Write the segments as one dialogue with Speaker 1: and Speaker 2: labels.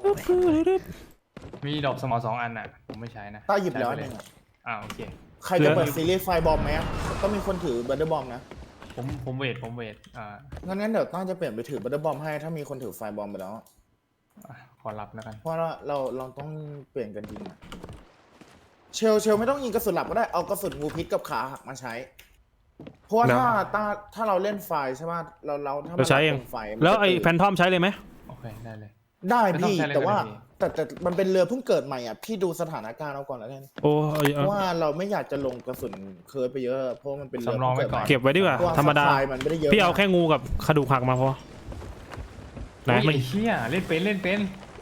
Speaker 1: มีดอกสมอ2 อันน่ะผมไม่ใช้นะ
Speaker 2: ต้าหยิบแล้วนึง
Speaker 1: โอเค
Speaker 2: ใครจะเปิดซีรีส์ไฟบอมไหมก็มีคนถือบัตเตอร์บอมนะ
Speaker 1: ผมเวท
Speaker 2: งั้นเดี๋ยวต้าจะเปลี่ยนไปถือบัตเตอร์บอมให้ถ้ามีคนถือไฟบอมไปแล้ว
Speaker 1: ขอรับแล้วกัน
Speaker 2: เพราะเราต้องเปลี่ยนกันจริงอะเชลไม่ต้องยิงกระสุนหลับก็ได้เอากระสุนงูพิษกับขาหักมาใช้เพราะว่าถ้าเราเล่นไฟใช่ไหมเราถ้า
Speaker 3: เราใช้เองแล้วไอ้แฟนทอมใช้เลยไหม
Speaker 1: โอเคได้เลย
Speaker 2: ได้พี่แต่ว่าแต่มันเป็นเรือเพิ่งเกิดใหม่อ่ะพี่ดูสถานการณ์เอาก่อนแล้วกันเพราะว่าเราไม่อยากจะลงกระสุนเคิร์ดไปเยอะเพราะมันเป็นเรือ
Speaker 3: เก็บไว้ดีกว่าธรรมดาพี่เอาแค่งูกับกระดูกหักมาพอ
Speaker 1: ไหนไม่เชี่ยเล่นเป็น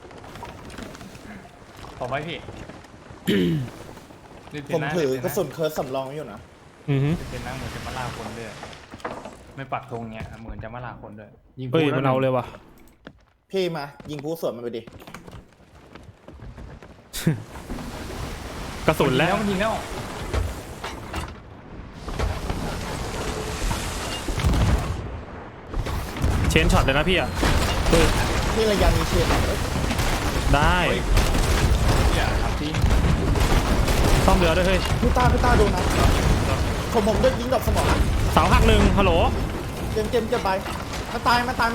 Speaker 1: ต่อไปพี่
Speaker 2: ผมถือกระสุนเคิร์ดสำรองอยู่นะ
Speaker 1: เป็นนั่งเหมือนจะมาล่าคนด้วยไม่ปักธงเนี้ยเหมือนจะมาล่าคนด้วย
Speaker 3: ยิงมันเอาเลยว่ะ
Speaker 2: พี่มายิงผู้สวนมันไปดิ
Speaker 3: กระสุนแล้ว
Speaker 1: มันยิงแล้ว
Speaker 3: เชนช็อตเลยนะพี่อ่ะ
Speaker 2: พี่ระยะมีเชน
Speaker 3: ได้
Speaker 1: อย่าทำจริง
Speaker 3: ซ่อมเรือด้วยเฮ้ย
Speaker 2: พี่ต้าดูนะผมได้ยิงดอกสมอง
Speaker 3: เสาหัก1ฮัลโหล
Speaker 2: เกมไปมาตาย1นะมันตาย1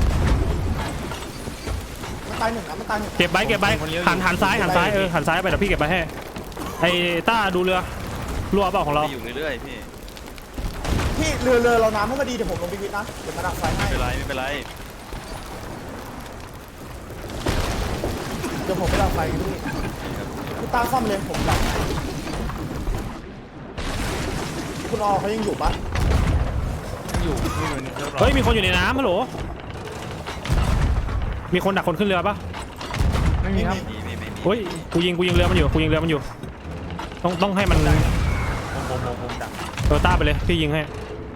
Speaker 3: เก็บใบหันซ้ายหันซ้ายไปเดี๋ยวพี่เก็บใบให้ไอ้ต้าดูเรือรั่วเปล่าของเรา
Speaker 4: อยู่เรื่อยๆ
Speaker 2: พี่เรือเราน้ำให้มาดีเดี๋ยวผมลงไปวิทนะเดี๋ยวมาดักไฟให้
Speaker 4: ไม่เป็นไร
Speaker 2: เดี๋ยวผมไปดักไฟพี่ต้าซ่อมเลยผมดักคุณอเขายังอยู่ปะ
Speaker 1: อยู่
Speaker 3: เฮ้ยมีคนอยู่ในน้ำฮัลโหลมีคนดักคนขึ้นเรือปะ
Speaker 1: ไม่มีครับ
Speaker 3: เฮ้ยกูยิงเรือมันอยู่ต้องให้มัน
Speaker 1: ผมดัก
Speaker 3: ต้าไปเลยพี่ยิงให้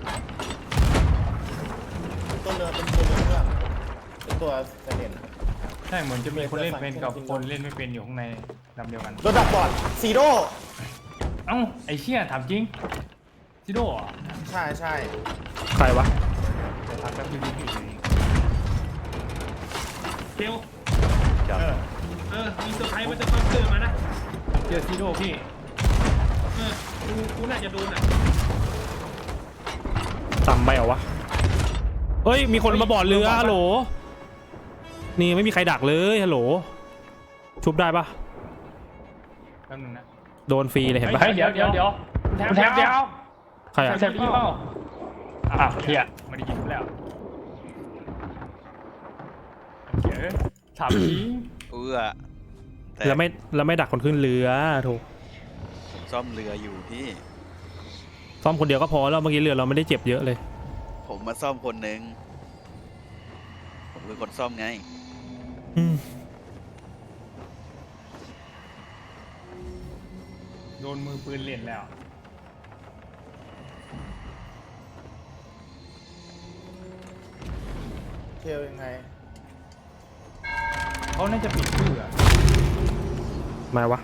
Speaker 2: ตัวเรือเป็นตัวเซเลน
Speaker 1: ใช่เหมือนจะมีคนเล่นเป็นกับคนเล่นไม่เป็นอยู่ข้างในลำเดียวกัน
Speaker 2: รถดักบอดซีโร่
Speaker 1: ไอ้เชี่ยถามจริงซีโร่
Speaker 2: ใช่
Speaker 3: ใครวะ
Speaker 1: จะทักแบบพี่
Speaker 5: เทลมีเซอร์ไพรส์มันจะเจอมานะ
Speaker 1: เจอซีโร่พี่
Speaker 5: กูน่าจะโดนอ่ะ
Speaker 3: ต่ำไปเหรอวะเฮ้ยมีคนมาบอดเรือฮัลโหลนี่ไม่มีใครดักเลยฮัลโหลชุบได้ปะ
Speaker 1: แป๊บนึงนะ
Speaker 3: โดนฟรีเลยเห็นปะ
Speaker 1: เดี๋ยวแทบ
Speaker 3: ใครอะ
Speaker 1: แทบพี่เปล่าเฮียไม่ได้ยินแล้วถามจริง
Speaker 3: แล้วไม่ดักคนขึ้นเรือถูก
Speaker 4: ซ่อมเรืออยู่พี่
Speaker 3: ซ่อมคนเดียวก็พอแล้วเมื่อกี้เรือเราไม่ได้เจ็บเยอะเลย
Speaker 4: ผมมาซ่อมคนหนึ่งผมเป็นคนซ่อมไง
Speaker 1: โดนมือปืนเล่นแล้ว
Speaker 2: เทลยังไง
Speaker 1: เขาน่าจะปิดชื่อ
Speaker 3: หมายวะ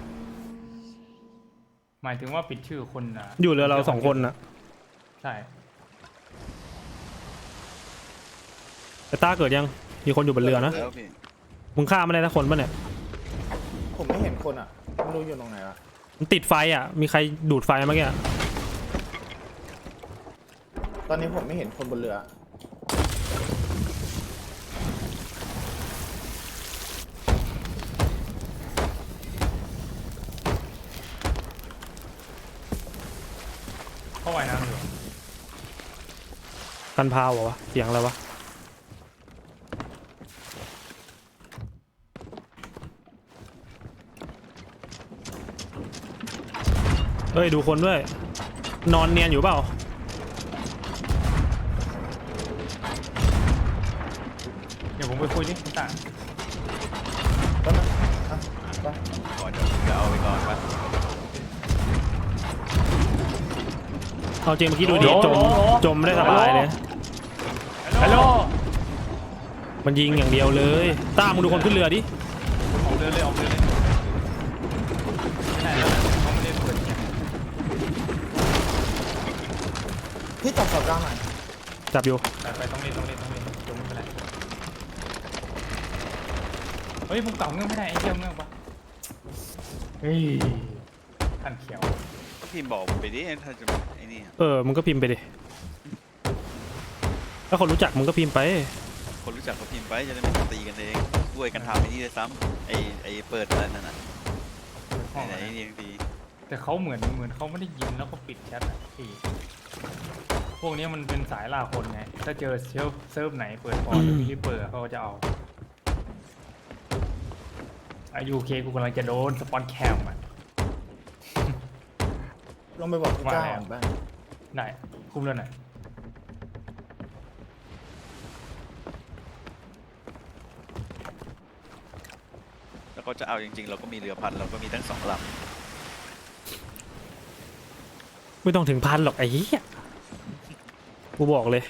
Speaker 1: หมายถึงว่าปิดชื่อคนนะ
Speaker 3: อยู่เรือเรา2 คนนะ
Speaker 1: ใช่
Speaker 3: แต่ต้าเกิดยังมีคนอยู่บนเรือนะมึงฆ่าไม่ได้นะคนป่ะเนี่ย
Speaker 2: ผมไม่เห็นคนอ่ะไม่รู้อยู่ตรงไหนละ
Speaker 3: มันติดไฟอ่ะมีใครดูดไฟเมื่อกี้
Speaker 2: ตอนนี้ผมไม่เห็นคนบนเรือ
Speaker 1: เข้าว่ายน้ำอยู่
Speaker 3: กันพาววะเสียงอะไรวะเฮ้ยดูคนด้วยนอนเนียนอยู่เปล่า
Speaker 1: เดี๋ยวผมไปคุยนิดต่าง
Speaker 2: ก็นะ
Speaker 4: ก่อนจะเอาไปก่อนปะ
Speaker 3: เอาจริงเมื่อกี้ดูดิจมได้สบายเลย
Speaker 1: ฮัลโหล
Speaker 3: มันยิงอย่างเดียวเลยต้ามึงดูคนขึ้นเรือดิ
Speaker 1: ออกเรือเลยเขาไม่เล่นเปิดเนี่ย
Speaker 2: พี่จับสอบกลางหน่อย
Speaker 3: จับอยู่
Speaker 1: ไปต้องเล่นจมไม่เป็นไรเฮ้ยมึงเก่าเงื่อนไม่ได้ไอ้เหี้ยเงื่อนปะเฮ้ยขันเขียว
Speaker 4: ก็พิมพ์บอกผมไปดิถ้าจะไอ้นี่
Speaker 3: มึงก็พิมพ์ไปดิถ้าคนรู้จักมึงก็พิมพ์ไป
Speaker 4: คนรู้จักก็พิมพ์ไปจะได้ไม่ต้องตีกันเองช่วยกันทำไอ้นี่เลยซ้ำไอ้เปิดอะไรนั่นน่ะ
Speaker 1: ห้อง
Speaker 4: ไหน
Speaker 1: อะ
Speaker 4: ๆนี่ดี
Speaker 1: แต่เขาเหมือนเขาไม่ได้ยินแล้วก็ปิดแชทอะพี่พวกนี้มันเป็นสายล่าคนไงถ้าเจอเซิร์ฟไหนเปิดพอร์ตหรือรีบเปิดเขาก็จะเอาอายุเคกูกำลังจะโดนสปอนแคมอ่ะ
Speaker 2: ลองไปบอกพี่ก้าว
Speaker 1: ว่าแล้ว
Speaker 2: บ้าง
Speaker 1: ได้คุ้มแล้วไหน
Speaker 4: แล้วก็จะเอาจริงๆ เราก็มีเรือพันเราก็มีทั้ง2 ลำ
Speaker 3: ไม่ต้องถึงพันหรอกไอ้เหี้ยกูบอกเลย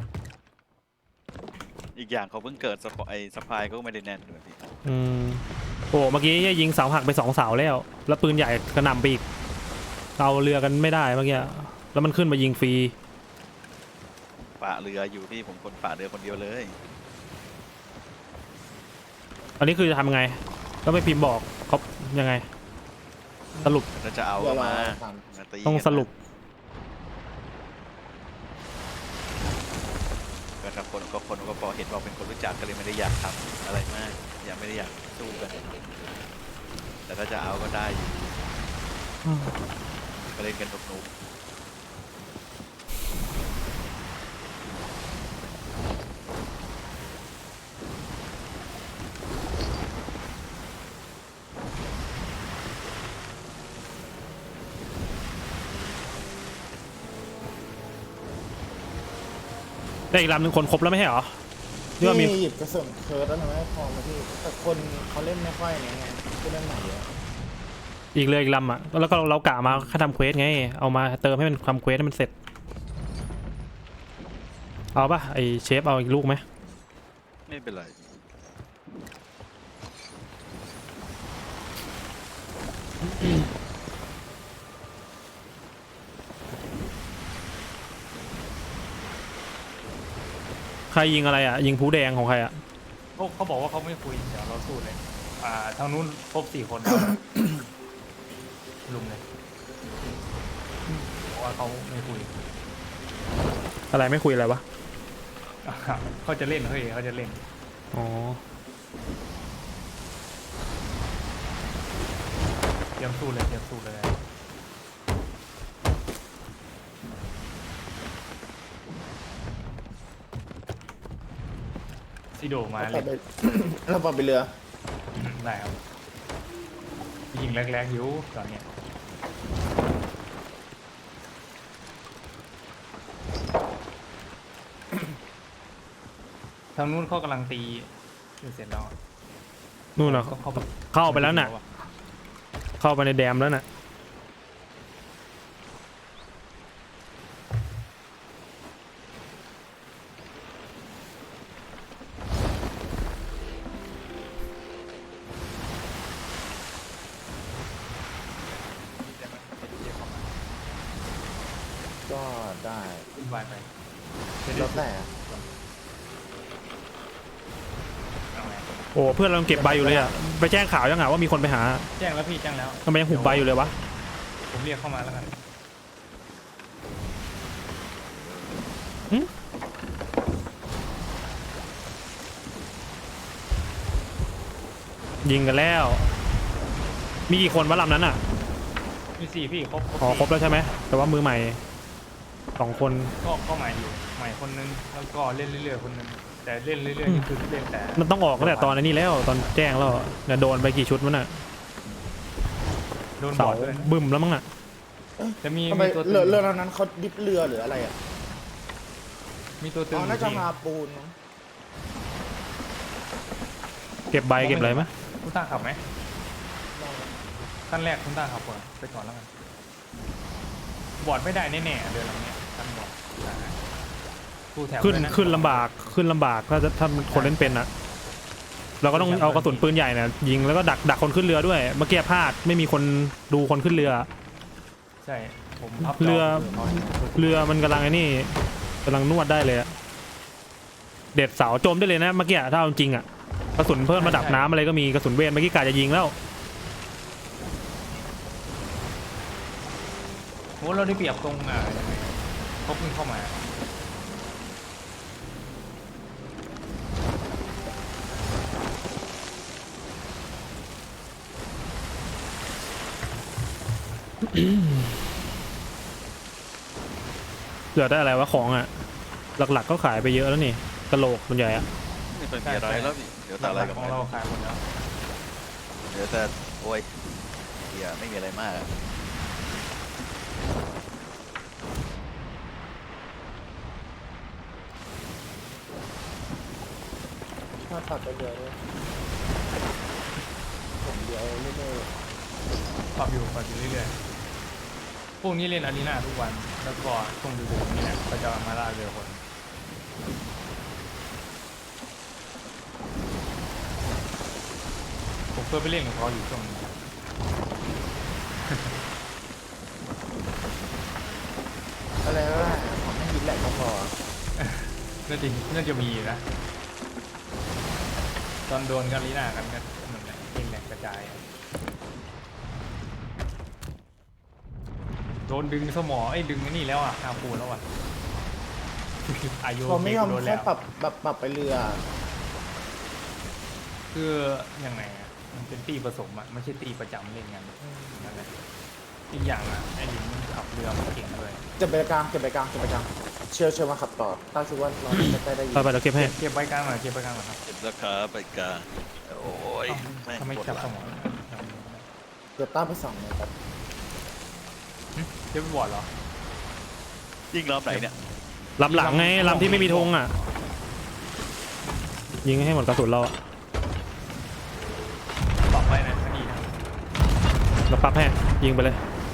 Speaker 4: อีกอย่างเขาเพิ่งเกิดสปายก็ไม่ได้แน่นด้วยพี่
Speaker 3: โอ้เมื่อกี้ยิงเสาหักไป2 เสาแล้วปืนใหญ่กระหน่ำไปอีกเอาเรือกันไม่ได้เมื่อกี้แล้วมันขึ้นมายิงฟรี
Speaker 4: ฝ่าเรืออยู่พี่ผมคนฝ่าเรือคนเดียวเลย
Speaker 3: อันนี้คือจะทำไงก็ไม่พิมพ์บอกเขายังไง สรุป
Speaker 4: ถ้าจะเอาก็มาตี
Speaker 3: ต้องสรุป
Speaker 4: ก็ถ้าคนก็พอเห็นว่าเป็นคนรู้จักก็เลยไม่ได้อยากทำอะไรมากไม่ได้อยากสู้กันแต่ถ้าจะเอาก็ได้อยู่ก็เล่นกันหนุกๆ
Speaker 3: ได้อีกลำหนึ่งคนครบแล้วไม่ใช่เหรอที่ว่ามี
Speaker 2: พี่หยิบกระสุนเคิร์ดแล้วหนูไม่พอมาพี่แต่คนเขาเล่นไม่ค่อยเนี่ยไงผู้เล่นใหม่เยอะ
Speaker 3: อีกเลยอีกลำอ่ะแล้วก็เรากะมาแค่ทำเควสไงเอามาเติมให้มันทำเควสให้มันเสร็จเอาป่ะไอเชฟเอาอีกลูกไหม
Speaker 4: ไม่เป็นไร
Speaker 3: ใครยิงอะไรอ่ะยิงผู้แดงของใครอ่ะ
Speaker 1: เขาบอกว่าเขาไม่คุยเดี๋ยวเราสู้เลยทางนู้นครบ4 คน ลุมเลยบอกว่าเขาไม่คุย
Speaker 3: อะไรไม่คุยอะไรวะ
Speaker 1: เขาจะเล่นเฮ้ยเขาจะเล่น
Speaker 3: อ๋อ
Speaker 1: เตรียมสู้เลยซิโดมา
Speaker 2: เรา
Speaker 1: เล
Speaker 2: ป
Speaker 1: ย
Speaker 2: ไป เราปรับไปเรือ
Speaker 1: ได้ครับยิงแรกๆอยู่ตอนเนี้ยทางนู้นเขากำลังตีเสร็จแล้ว
Speaker 3: นู่นเหรอเข้าไปแล้วน่ะเข้าไปในแดมแล้วน่ะ
Speaker 2: ก็ได้
Speaker 1: ขึ้นวายไป
Speaker 2: แล้วแต่
Speaker 1: เอาไง
Speaker 3: โอ้เพื่อนเราเก็บใบอยู่เลยอ่ะไปแจ้งข่าวยังไงว่ามีคนไปหา
Speaker 1: แจ้งแล้วพี่แจ้งแล้ว
Speaker 3: ทำไมยังหุบใบอยู่เลยวะ
Speaker 1: ผมเรียกเข้ามาแล้วกัน
Speaker 3: ยิงกันแล้ว มีกี่คนวะลำนั้นอ่ะ
Speaker 1: มี4พี่ครบ
Speaker 3: อ๋อครบแล้วใช่ไหมแต่ว่ามือใหม่2 คน
Speaker 1: ก็ใหม่อยู่ใหม่คนนึงแล้วก็เล่นเรื่อยๆคนนึงแต่เล่นเรื่อยๆนี่คือเล่นแต่
Speaker 3: มันต้องออกตั้งแต่ตอนนี้แล้วตอนแจ้งแล้วเนี่ยโดนไปกี่ชุดมันอ่ะ
Speaker 1: โดนบ
Speaker 3: เสา
Speaker 1: อดด้วยนะ
Speaker 3: บึ้มแล้วมั้งอ่ะ
Speaker 1: จะมี
Speaker 2: ทำไม
Speaker 1: ตัวตึ
Speaker 2: เรือง นั้นเขาดิฟเรือหรืออะไรอ่ะ
Speaker 1: มีตัวตึ
Speaker 2: อ๋
Speaker 1: ง
Speaker 2: อ
Speaker 1: อยู่
Speaker 2: น่าจะ
Speaker 1: พี่
Speaker 2: มาปูนมั้ง
Speaker 3: เก็บใบเก็บอะไรไหม
Speaker 1: คุณต้าขับไหมขั้นแรกคุณต้าขับก่อนไปก่อนแล้วกันบอดไม่ได้แน่ๆเรือลำเนี้ยขั้นบอดคู่แถว
Speaker 3: ขึ้นลำบากถ้าคนเล่นเป็นอ่ะเราก็ต้องเอากระสุนปืนใหญ่เนี่ยยิงแล้วก็ดักคนขึ้นเรือด้วยเมื่อกี้พลาดไม่มีคนดูคนขึ้นเรือ
Speaker 1: ใช่ผมพับ
Speaker 3: เรือมันกำลังไอ้นี่กำลังนวดได้เลยอะเด็ดเสาโจมได้เลยนะเมื่อกี้ถ้าเอาจริงอ่ะกระสุนเพิ่มระดับน้ำอะไรก็มีกระสุนเวทเมื่อกี้กาจะยิงแล้ว
Speaker 1: โหเราได้เปรียบตรงเขาเพิ่งเข้ามา
Speaker 3: เหลือได้อะไรวะของอ่ะหลักๆก็ขายไปเยอะแล้วนี่กระโหลกมันใหญ่อะ
Speaker 4: ไม่เป็นมีอะไรแล้วนี่เดี๋ยวแต่อะไรกับ
Speaker 1: ขอ
Speaker 4: มั
Speaker 1: ง
Speaker 4: น
Speaker 1: เราขายหมดแล้ว
Speaker 4: เดี๋ยวแต่โอ้ยเดี๋ยวไม่มีอะไรมากอะ
Speaker 2: ถ้าตัดไปเรือเลยผมเดียวไม่ได้
Speaker 1: ปรับอยู่เรื่อยๆพวกนี้เล่นอารีนาทุกวันแล้วก็ช่วงดึกๆนี่แหละก็จะมาล่าเรือคนผมเคยไปเล่นกับเขาอยู่ช่วงนี้
Speaker 2: อะไรก็ได้ผมไม่ยินแหลกก็พอ
Speaker 1: น่าจะมีนะตอนโดนกันลีน่ากันก็นั่นแหละเองแหลกกระจายโดนดึงสมอดึงไอ้นี่แล้วอ่ะอาปูแล้วอ่ะ อายุ
Speaker 2: ผมไม่ยอม
Speaker 1: โดน
Speaker 2: แค่
Speaker 1: แล้ว
Speaker 2: ปรับไปเรือ
Speaker 1: คือยังไงอ่ะมันเป็นตีผสมอ่ะไม่ใช่ตีประจำเล่นกันนั่นแหละอีกอย่างอ่ะไอ้ลิงมันขับเรือมันเก่งเลย
Speaker 2: เก็บไปกลางเชียวมาขับต่อตั้งชื่อว่าเราจะได้ยิน
Speaker 3: ไปเดี๋ยวเก็บให้
Speaker 1: เก็บไว้กลางหน่อยครับ
Speaker 4: เก็บราคาไปกลางโอ้ย
Speaker 1: ทำไมจับสมอ
Speaker 2: เดี๋ยวตั้งไป2เลยครับ
Speaker 1: เก็บไปบอร์ดเหรอ
Speaker 4: ยิงรอบไหนเนี่ย
Speaker 3: ลำหลังไงลำที่ไม่มีธงอ่ะยิงให้หมดกระสุนเราอะ
Speaker 1: ปรับไว้นะคดีนะ
Speaker 3: เราปรับให้ยิงไปเลย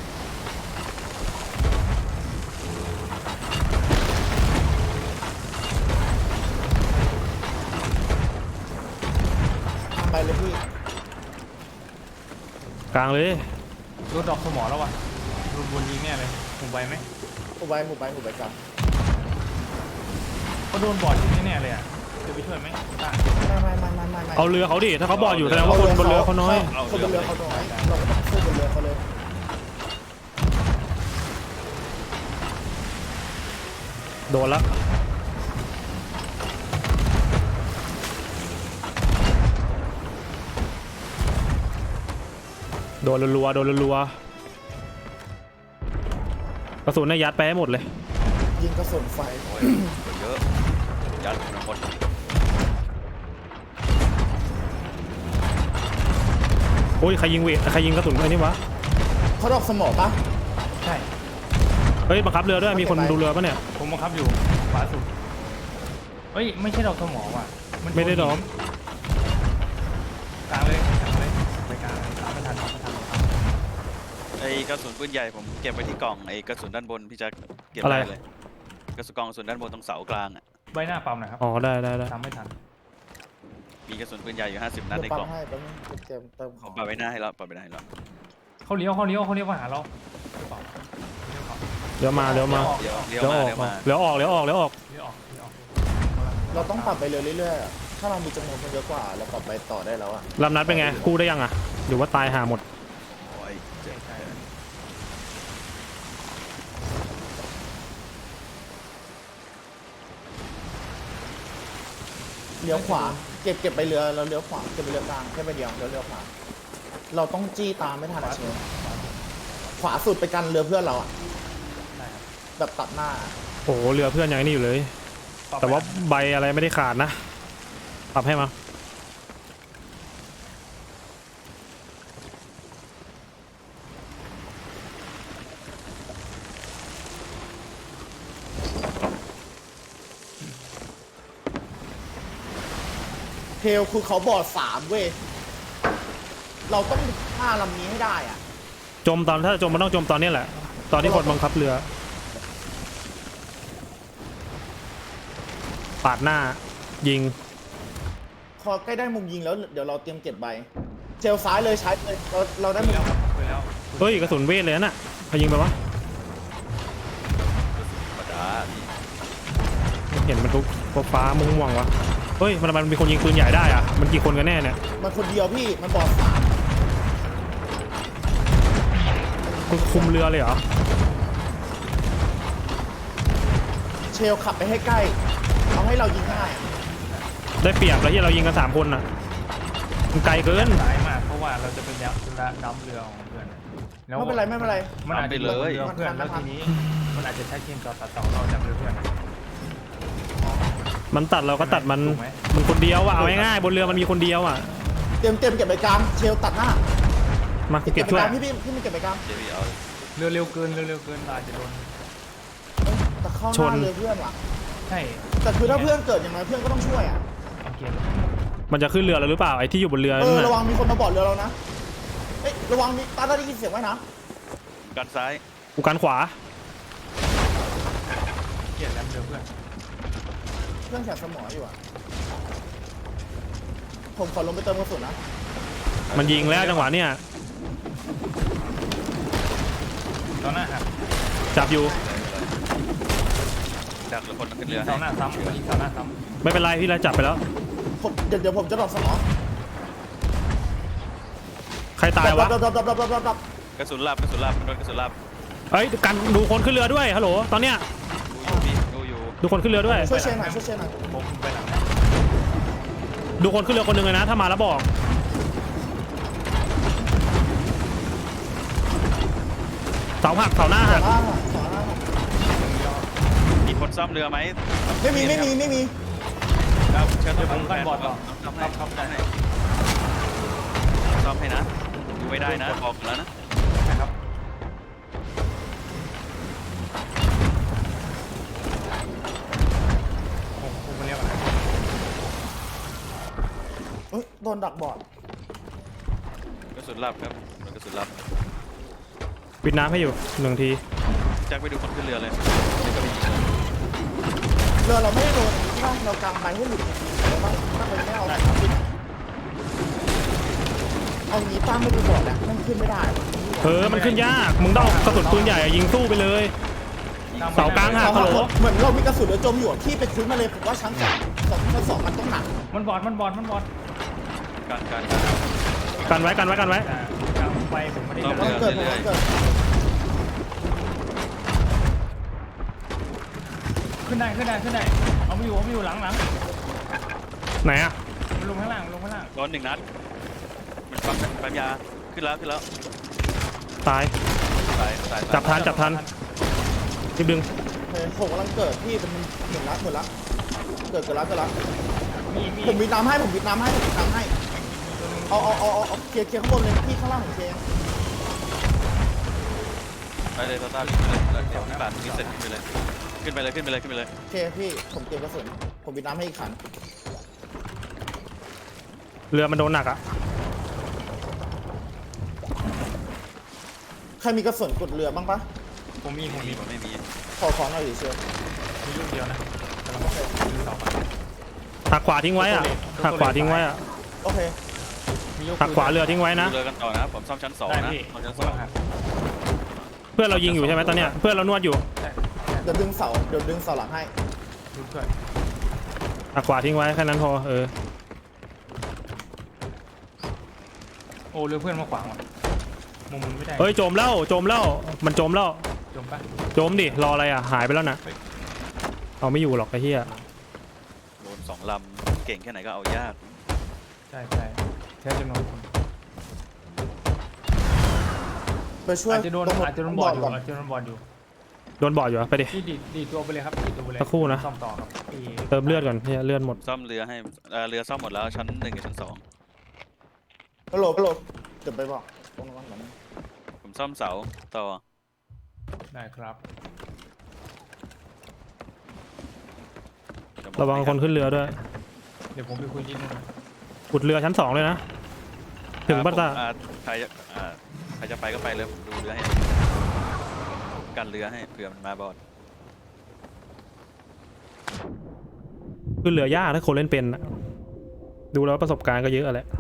Speaker 2: ไปเลยพี่
Speaker 3: กลางเลย
Speaker 1: โดนดอกสมอแล้ววะโดนบนยิงแน่เลยผมไปไหม
Speaker 2: หูใบกลาง
Speaker 1: เขาโดนบอร์ดยิงแน่ๆเลยอ่ะจะไปช่วยไหมต้า
Speaker 2: ไม่
Speaker 3: เอาเรือเขาดิถ้าเขาบอดอยู่แสดงว่าคนบนเรือเขาน้อย
Speaker 2: คนบนเรือเขาน้อยเราก็ต้องสู้บนเรือเขาเลย
Speaker 3: โดนละโดนรัวๆกระสุนเนี่ยยัดไปให้หมดเลย
Speaker 2: ยิงกระสุนไฟ
Speaker 4: โอ้ยเยอะยัดหมด
Speaker 3: โอ้ยใครยิงกระสุนไอ้นี่วะ
Speaker 2: เขาดอกสมอปะ
Speaker 1: ใช่
Speaker 3: เฮ้ยบังคับเรือด้วยมีคนดูเรือปะเนี่ย
Speaker 1: ผมบังคับอยู่ขวาสุดเฮ้ยไม่ใช่ดอกสมอว่ะน
Speaker 3: ไม่ได้ดอก
Speaker 1: กลางเลยไปกลางตามไม่ทัน
Speaker 4: ไอ้กระสุนปืนใหญ่ผมเก็บไว้ที่กล่องไอ้กระสุนด้านบนพี่จะเก็บได้เลยกระสุนกองกระสุนด้านบนตรงเสากลางอ่ะ
Speaker 1: ใบหน้าปั๊มหนะครับ
Speaker 3: อ๋อได้
Speaker 1: ตามไม่ทัน
Speaker 4: มีกระสุนปืนใหญ่อยู่50นัดใน
Speaker 2: เดี๋ยวปั๊
Speaker 4: กล่
Speaker 2: ม
Speaker 4: อง
Speaker 2: ให้แป๊บนึงเติมข
Speaker 4: ผ
Speaker 2: อง
Speaker 4: มปาไว้หน้าให้แล้วปาไว้หน้าให้แล้ว
Speaker 1: เขาเลี้ยวมาหาเราหรือเปล่าเลี้ยวเขา
Speaker 3: เดี๋ยวมา
Speaker 4: เดี๋ยว
Speaker 3: เดี๋ยวออก
Speaker 1: เลี้ยวออก
Speaker 2: เราต้องปรับไปเรือเรื่อยๆถ้าเรามีจำนวนคนเยอะกว่าเราปรับไปต่อได้แล้วอะ
Speaker 3: ลำนัดเป็นไงกู้ได้ยังอ่ะหรือว่าตายหาหมด
Speaker 4: โอ้ยเจ็บ
Speaker 2: เลี้ยวขวาเก็บไปเรือเราเลี้ยวขวาเก็บไปเรือกลางแค่ไปเดียวเลี้ยวขวาเราต้องจี้ตามไม่ทันอะเชลขวาสุดไปกันเรือเพื่อนเราอะ
Speaker 1: ได้ครับ
Speaker 2: แบบตัดหน้า
Speaker 3: โอ้โหเรือเพื่อนยังไอ้นี่อยู่เลย แต่ว่าใบอะไรไม่ได้ขาดนะปรับให้มา
Speaker 2: เทลคือเขาบอด3เว้ยเราต้องฆ่าลำนี้ให้ได้อะ
Speaker 3: จมตอนถ้าจะจมมันต้องจมตอนนี้แหละ ตอนที่คนบังคับเรือปาดหน้ายิง
Speaker 2: พอใกล้ได้มุมยิงแล้วเดี๋ยวเราเตรียมเก็บใบเชลซ้ายเลยใช้เลยเราได้มุม
Speaker 1: แล้วครับไปแล้ว
Speaker 3: เฮ้ยกระสุนเวทเลยน่ะใครยิงไปวะ
Speaker 4: ธรรมดาพี่
Speaker 3: เห็นมันทุกฟ้าม่วงๆวะเฮ้ยมันมีคนยิงปืนใหญ่ได้อะมันกี่คนกันแน่เนี่ย
Speaker 2: มันคนเดียวพี่มันบอดสาม
Speaker 3: มึงคุมเรือเลยเหรอ
Speaker 2: เชลขับไปให้ใกล้เอาให้เรายิงง่าย
Speaker 3: ได้เปรียบแล้วที่เรายิงกัน3 คนอ่ะมันไกลเกิน
Speaker 1: สายมากเพราะว่าเราจะเป็นน้ำเรือของเพื่อนแล้ว
Speaker 2: ไม่เป็นไรไม่เป็นไร
Speaker 1: มันอาจจะเป็นเรือเพื่อนแล้วทีนี้มันอาจจะใช้เกมต่อตัดต่อเราจากเรือเพื่อน
Speaker 3: มันตัดเราก็ตัดมัน
Speaker 1: ถูกไหม
Speaker 3: มันคนเดียวอ่ะเอาง่ายๆบนเรือมันมีคนเดียวอ่ะ
Speaker 2: เตรียมเก็บไปกลางเชลตัดหน้า
Speaker 3: มาเก็บ
Speaker 2: ไป
Speaker 3: ช่ว
Speaker 2: ก
Speaker 3: ย
Speaker 2: ลางพี่มันเก็บไปกลาง
Speaker 4: เดี๋ยวพี่เอา
Speaker 1: เรือเร็วเกินอาจจะโดน
Speaker 2: แต่เข้าหน้าเลยเพื่อนว่ะ
Speaker 1: ใช่
Speaker 2: แต่คือถ้าเพื่อนเกิดอย่างไรเพื่อนก็ต้องช่วยอ่ะ
Speaker 1: เอาเกม
Speaker 3: มันจะขึ้นเรือแล้วหรือเปล่าไอ้ที่อยู่บนเรือ
Speaker 2: เอ
Speaker 3: นั่
Speaker 2: อน ระ
Speaker 3: น่ะ
Speaker 2: วังมีคนมาบอดเรือเรานะเอ้ยระวังมีตาได้ยินเสียงไว้นะ
Speaker 4: กันซ้าย
Speaker 3: กูกันขวา
Speaker 1: เกลียดแล้วเรือเพื่อน
Speaker 2: เครื่องแสบสมองอยู่อ่ะผมขอลงไปเติมกระสุนนะ
Speaker 3: มันยิงแล้วจังหวะเนี่ย
Speaker 1: ตอนหน้าหัก
Speaker 3: จับอยู่
Speaker 4: ดักแล้วคนขึ้น
Speaker 1: ยิ
Speaker 4: เรื
Speaker 1: ง
Speaker 4: อ
Speaker 1: เสาหน้าซ้ำยิงเสาหน้าซ้
Speaker 3: ไม่เป็นไรพี่เราจับไปแล้ว
Speaker 2: ผมเดี๋ยวผมจะดรอปสมอง
Speaker 3: ใครตายวะ
Speaker 2: ดรอป
Speaker 4: กระสุนลับมันโดนกระสุนลับ
Speaker 3: เอ้ยกันดูคนขึ้นเรือด้วยฮัลโหลตอนเนี้ย
Speaker 4: ดูอยู่
Speaker 3: ดูคนขึ้นเรือด้วย
Speaker 2: ช่วยเชนหน่อยช่วยเชนหน่อย
Speaker 1: ำผมไปหลังนะ
Speaker 3: ดูคนขึ้นเรือคนหนึ่งเลยนะถ้ามาแล้วบอกเสาหักเสาหน้าหัก
Speaker 2: สองล่าง
Speaker 4: มีคนซ่อมเรือไหม
Speaker 2: ไม่มี
Speaker 4: ครับเชิญ
Speaker 1: เดี๋ยวผมกันบอดต่อ
Speaker 4: ซ่อม
Speaker 1: ค
Speaker 4: ให้
Speaker 1: รับครับได้
Speaker 4: ซ่อมให้นะดูไม่ได้นะบอกแล้วนะ
Speaker 1: นะครับ ผมเรียกอะไร
Speaker 2: เฮ้ยโดนดักบอด
Speaker 4: กระสุนลับครับโดนกระสุนลับ
Speaker 3: ปิดน้ำให้อยู่1 ที
Speaker 4: แจ็คไปดูคนขึ้นเรือเลย
Speaker 2: เรือเราไม่ได้โดนถ้าเรากางใบให้หลุดเราต้องถ้าเราไม่เอาปิดเอางี้ตั้งไม่ดูบอดแล้วมันขึ้นไม่ได้
Speaker 3: มันขึ้นยากมึงต้องเอากระสุนปืนใหญ่อะยิงสู้ไปเลย เสากลางหัก ฮัลโหล
Speaker 2: เหมือนเรามีกระสุนเรือจมอยู่ที่ไปคุยมาเลยผมว่าชั้นสองมันต้องหนัก
Speaker 1: มันบอด
Speaker 4: การ
Speaker 3: กันไว้
Speaker 1: กลางไปผมไม่ได้
Speaker 4: ต้
Speaker 1: เดิ
Speaker 4: อง
Speaker 1: น
Speaker 2: เกิดผมเกิด
Speaker 1: ขึ้นได้เอาไม่อยู่หลัง
Speaker 3: ไหนอะ
Speaker 1: มันลงข้างล่าง
Speaker 4: โดน1 นัดมันปั๊มยาขึ้นแล้ว
Speaker 3: ตาย
Speaker 4: ตาย
Speaker 3: จับทันรีบดึง
Speaker 2: โอเคผมกำลังเกิดพี่เป็นหมื่นละเกิดแล้ว
Speaker 1: มี
Speaker 2: ผมวิดน้ำให้เอาเคลียร์ข้างบนเลยพี่ข้างล่างผมเคลียร์
Speaker 4: ไปเลยตาขึ้นไปเลยเดี๋ยวปาดนี้เสร็จขึ้นไปเลยขึ้นไปเลย
Speaker 2: โอเคพี่ผมเตรียมกระสุนผมวิดน้ำให้อีกขัน
Speaker 3: เรือมันโดนหนักอะ
Speaker 2: ใครมีกระสุนกดเรือบ้างปะ
Speaker 1: ผมมี
Speaker 4: ไม่มี
Speaker 2: ขอของหน่อยดิเชียว
Speaker 1: มีลูกเดียวนะกำลังยิงเสาไป
Speaker 3: หักขวาทิ้งไว้อะหักขวาทิ้งไว้อะ
Speaker 2: โอเค
Speaker 3: หักขวาเรือทิ้งไว้นะ
Speaker 4: เรือกันต่อนะผมซ่อมชั้น2
Speaker 1: ได้
Speaker 4: นะ
Speaker 1: พี่
Speaker 4: ซ่อมชั้น
Speaker 1: ผมกำลังหัก
Speaker 3: เพื่อนเรายิงอยู่ใช่ไหมตอนเนี้ยเพื่อนเรานวดอยู่
Speaker 1: ใช่
Speaker 2: เดี๋ยวดึงเสาหลังให้
Speaker 1: ดูด้วย
Speaker 3: หักขวาทิ้งไว้แค่นั้นพอ
Speaker 1: โอ้เรือเพื่อนมาขวางว่ะมุมมันไม่ได้
Speaker 3: เฮ้ยโจมแล้วมันโจมแล้ว
Speaker 1: จมปะ
Speaker 3: โจมดิรออะไรอะหายไปแล้วนะเอาไม่อยู่หรอกไอ้เหี้ย
Speaker 4: โดน2 ลำเก่งแค่ไหนก็เอายาก
Speaker 1: ใช่แค่จำนวนคน
Speaker 2: ไปช่วย
Speaker 1: อาจจะโดนบอดอยู่
Speaker 2: ก่อน
Speaker 1: โดนบอดอยู่
Speaker 3: โดนบอดอยู่อะไปดิ
Speaker 1: พี่ดีตัวไปเลยครับดีตัวไปเลย
Speaker 3: สักครู่นะ
Speaker 1: ซ่อมต่อครับพี่
Speaker 3: เติมเลือดก่อนเหี้ยเลือดหมด
Speaker 4: ซ่อมเรือให้เรือซ่อมหมดแล้วชั้น1กับชั้น
Speaker 2: ฮัลโหลเดี๋ยวไปบอกตรงนั้นก่อนนะ
Speaker 4: 2ผมซ่อมเสาต่อ
Speaker 1: ได้ครับ
Speaker 3: ระวังคนขึ้นเรือด้วย
Speaker 1: เดี๋ยวผมไปคุยที่นู่น
Speaker 3: ขุดเรือชั้น2เลยนะถึงปัตตา
Speaker 4: ใครจะไปก็ไปเลยผมดูเรือให้กันเรือให้เผื่อมันมาบอด
Speaker 3: ขึ้นเรือยากถ้าคนเล่นเป็นอะดูแล้วประสบการณ์ก็เยอะแหละ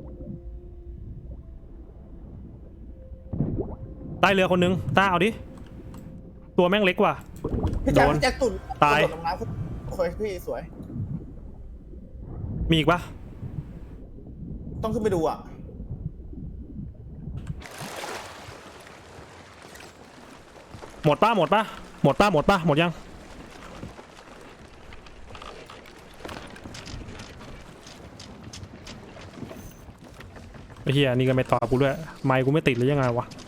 Speaker 3: ใต้เรือคนนึงต้าเอาดิตัวแม่งเล็กว่ะ
Speaker 2: พี่
Speaker 3: โดน
Speaker 2: แจ็คตุ่น
Speaker 3: ตาย
Speaker 2: กระโดดลงน้ำโอเคพี่สวย
Speaker 3: มีอีกปะ
Speaker 2: ต้องขึ้นไปดูอ่ะ
Speaker 3: หมดปะหมดปะหมดปะหมดปะหมดยังไอ้เหี้ยนี่ก็ไม่ตอบกูด้วยไมค์กูไม่ติดหรือยังไงวะ